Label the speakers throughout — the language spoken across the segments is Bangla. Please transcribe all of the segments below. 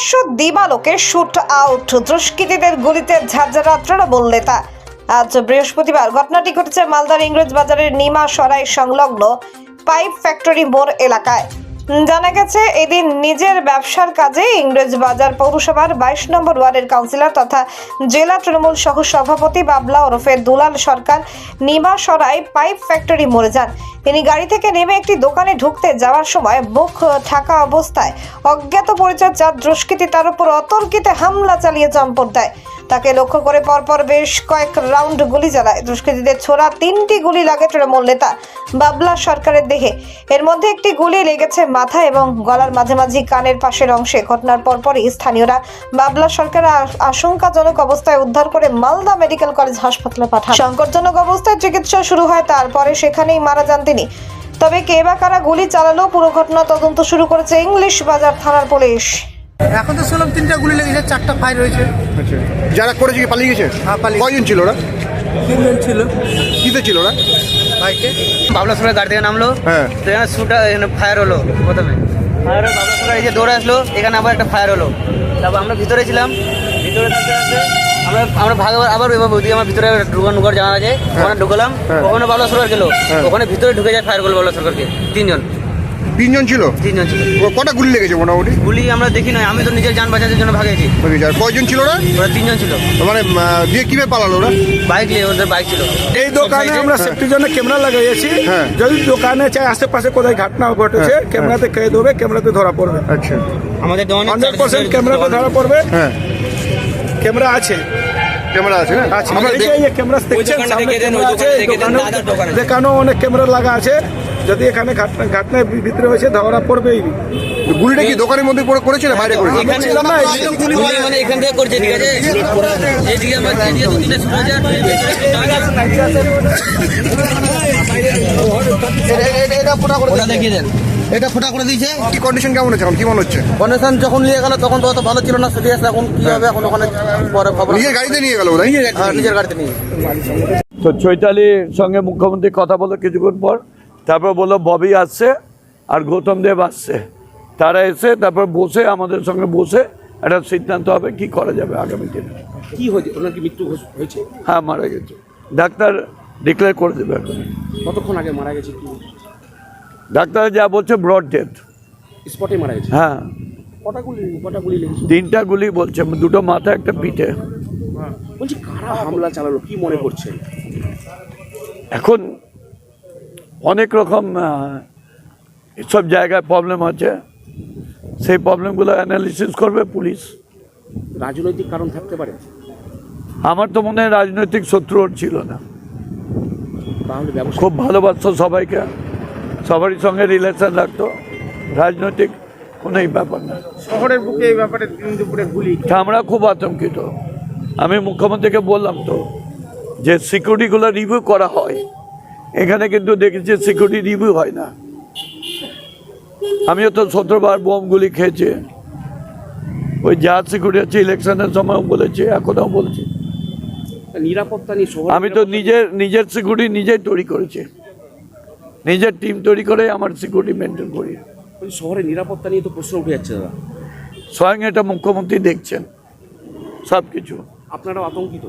Speaker 1: প্রকাশ্য দিবালোকে শুট আউট দুষ্কৃতীদের গুলিতে ঝাঁঝরা তৃণমূল নেতা। আজ বৃহস্পতিবার ঘটনাটি ঘটেছে মালদার ইংরেজ বাজারের নিমা সরাই সংলগ্ন পাইপ ফ্যাক্টরি মোড় এলাকায়। জানা গেছে এদিন নিজের ব্যবসার কাজে ইংরেজ বাজার পৌরসভার 22 নম্বর ওয়ার্ডের কাউন্সিলর তথা জেলা তৃণমূল সহ সভাপতি বাবলা ওরফে দুলাল সরকার নিমা সরাই পাইপ ফ্যাক্টরি মোড়ে যান। তিনি গাড়ি থেকে নেমে একটি দোকানে ঢুকতে যাওয়ার সময় বুক থাকা অবস্থায় অজ্ঞাত পরিচয় চার দুষ্কৃতী তার উপর অতর্কিতে হামলা চালিয়ে চম্পট দেয়। তাকে লক্ষ্য করে পরপর বেশ কয়েক রাউন্ড গুলি চালায়। দুষ্কৃতীদের ছোড়া 3টি গুলি লাগে তৃণমূল নেতা বাবলা সরকারের দেহে। এর মধ্যে একটি গুলি লেগেছে মাথা এবং গলার মাঝামাঝি কানের পাশের অংশে। ঘটনার পরপরই স্থানীয়রা বাবলা সরকার আশঙ্কাজনক অবস্থায় উদ্ধার করে মালদা মেডিকেল কলেজ হাসপাতালে পাঠান। সংকটজনক অবস্থায় চিকিৎসা শুরু হয়, তারপরে সেখানেই মারা যান তিনি। তবে কে বা কারা গুলি চালালো পুরো ঘটনা তদন্ত শুরু করেছে ইংলিশ বাজার থানার পুলিশ।
Speaker 2: এখন তো শুনলাম 3টা গুলি লেগেছে, 4টা ফায়ার হয়েছে।
Speaker 3: আচ্ছা, যারা করেছে কি পালিয়ে গেছে?
Speaker 2: হ্যাঁ, পালিয়ে গেছে।
Speaker 3: কয়জন ছিল ওরা?
Speaker 2: 3 জন ছিল।
Speaker 3: কিতে ছিল ওরা?
Speaker 2: বাইকে।
Speaker 4: বাবলা সরকার গাড়ি থেকে নামলো,
Speaker 3: হ্যাঁ।
Speaker 4: তো এখানে শুটা এখানে ফায়ার হলো। প্রথমে ফায়ার হলো, বাবলা সরকার এই যে দৌড়ে আসলো, এখানে আবার একটা ফায়ার হলো। তারপর আমরা ভিতরে ছিলাম, ভিতরে থাকতে থাকতে আমরা ভাগ আবার ওইদিকে আমার ভিতরে ঢুকার জানা আছে, ওখানে ঢুকলাম। ওখানে বাবলা সরকার গেলো, ওখানে ভিতরে ঢুকে যায় ফায়ার করলো বাবলা সরকারকে। 3 জন
Speaker 3: ছিল?
Speaker 4: 3 জন ছিল।
Speaker 3: কটা গুলি লেগেছে মোটামুটি?
Speaker 4: গুলি আমরা দেখি নাই, আমি তো নিজের যান বাঁচানোর জন্য ভাগেছি।
Speaker 3: কয়জন ছিল ওরা?
Speaker 4: ওরা 3 জন ছিল।
Speaker 3: মানে দিয়ে কিভাবে পালালো ওরা?
Speaker 4: বাইক নিয়ে, ওদের বাইক ছিল।
Speaker 5: এই দোকানে আমরা সেফটির জন্য ক্যামেরা লাগাইছি।
Speaker 3: হ্যাঁ।
Speaker 5: যদি দোকানে চাই আশেপাশে কোথায় ঘটনা ঘটেছে, ক্যামেরাতে কেদ হবে, ক্যামেরাতে ধরা পড়বে।
Speaker 3: আচ্ছা,
Speaker 4: আমাদের
Speaker 5: 100% ক্যামেরাতে ধরা পড়বে।
Speaker 3: হ্যাঁ,
Speaker 5: ক্যামেরা আছে।
Speaker 3: ক্যামেরা আছে না?
Speaker 5: আছে। এই ক্যামেরা দেখছেন, সামনে ক্যামেরা আছে। দোকানে দেখানো অনেক ক্যামেরা লাগা আছে। যদি এখানে ঘটনায় ভিতরে হয়েছে ধরা পড়বেই।
Speaker 3: গুলিটা কি দোকানের মধ্যে করেছে না বাইরে করেছে?
Speaker 4: এখানে ছিলাম না, গুলি মানে এখান থেকে করছে, ঠিক আছে। এইদিকে আমার এদিকে 2-3টা শুরু হয়েছে।
Speaker 3: এটা ফোটা করে
Speaker 4: ওটা দেখিয়ে দেন,
Speaker 3: এটা ফোটা করে দিয়েছে। কি কন্ডিশন কেমন আছে এখন? কি মনে হচ্ছে?
Speaker 4: কন্ডিশন যখন নিয়ে গেল তখন তো অত ভালো ছিল না, সিরিয়াস। এখন কি হবে, এখন ওখানে পরে খবর।
Speaker 3: নিজের গাড়িতে নিয়ে গেল ওরা?
Speaker 4: নিজের গাড়িতে নিয়ে।
Speaker 6: তো চৈতালির সঙ্গে মুখ্যমন্ত্রী কথা বলো কিছুক্ষণ পর, তারপর বললো ববি আসছে আর গৌতম দেব আসছে, তারা এসে তারপর বসে আমাদের সঙ্গে বসে একটা সিদ্ধান্ত হবে কি করা যাবে আগামী দিনে।
Speaker 7: কি হয়েছে? ওনার কি মৃত্যু হয়েছে?
Speaker 6: হ্যাঁ, মারা গেছে, ডাক্তার ডিক্লেয়ার করে দেবে এখন।
Speaker 7: কতক্ষণ আগে মারা গেছে? কি
Speaker 6: ডাক্তার যা বলছে ব্রড ডেথ।
Speaker 7: স্পটে মারা গেছে?
Speaker 6: হ্যাঁ,
Speaker 7: কটা গুলি লেগেছে?
Speaker 6: 3টা গুলি বলছে, 2টো মাথা একটা পিঠে।
Speaker 7: বলছি কারা হামলা চালালো, কি মনে করছেন?
Speaker 6: এখন অনেক রকম সব জায়গায় প্রবলেম আছে, সেই প্রবলেমগুলো অ্যানালিসিস করবে পুলিশ।
Speaker 7: রাজনৈতিক কারণ থাকতে পারে?
Speaker 6: আমার তো মনে হয় রাজনৈতিক শত্রু ওর ছিল না,
Speaker 7: তাহলে ব্যবসা
Speaker 6: খুব ভালোবাসতো সবাইকে, সবারই সঙ্গে রিলেশন রাখতো, রাজনৈতিক কোনো ব্যাপার না।
Speaker 2: শহরের বুকে এই ব্যাপারে দুপুরে গুলি।
Speaker 6: তা আমরা খুব আতঙ্কিত। আমি মুখ্যমন্ত্রীকে বললাম তো যে সিকিউরিটিগুলো রিভিউ করা হয়, এখানে কিন্তু দেখেছি সিকিউরিটি রিভিউ হয় না। আমিও তো 17বার বোমগুলি খেয়েছি, ওই যা সিকিউরিটি আছে ইলেকশনের সময় বলেছি, এখনও বলছি।
Speaker 7: নিরাপত্তা নিয়ে শহর,
Speaker 6: আমি তো নিজের সিকিউরিটি নিজেই তৈরি করেছি, নিজের টিম তৈরি করে আমার সিকিউরিটি মেনটেন করি।
Speaker 7: শহরের নিরাপত্তা নিয়ে তো প্রশ্ন উঠে যাচ্ছে দাদা।
Speaker 6: স্বয়ং এটা মুখ্যমন্ত্রী দেখছেন সব কিছু।
Speaker 7: আপনারাও আতঙ্কিত?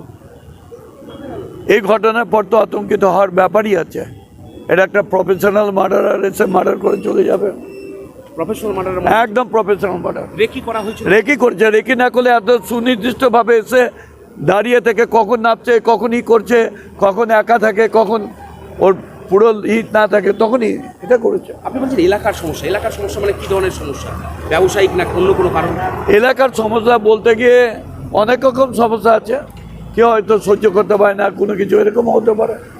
Speaker 6: এই ঘটনার পর তো আতঙ্কিত হওয়ার ব্যাপারই আছে। এটা একটা প্রফেশনাল মার্ডারার এসে মার্ডার করে চলে যাবে,
Speaker 7: প্রফেশনাল মার্ডার?
Speaker 6: একদম প্রফেশনাল মার্ডার।
Speaker 7: রেকি করা হয়েছে?
Speaker 6: রেকি করছে, রেকি না করলে এত সুনির্দিষ্টভাবে এসে দাঁড়িয়ে থেকে কখন নামছে, কখন করছে, কখন একা থাকে, কখন ওর পুরো হিট না থাকে, তখনই এটা করেছে।
Speaker 7: আপনি বলছেন এলাকার সমস্যা। এলাকার সমস্যা মানে কি ধরনের সমস্যা? ব্যবসায়িক না অন্য কোনো কারণ?
Speaker 6: এলাকার সমস্যা বলতে গিয়ে অনেক রকম সমস্যা আছে, কেউ হয়তো সহ্য করতে পারে না কোনো কিছু, এরকম হতে পারে।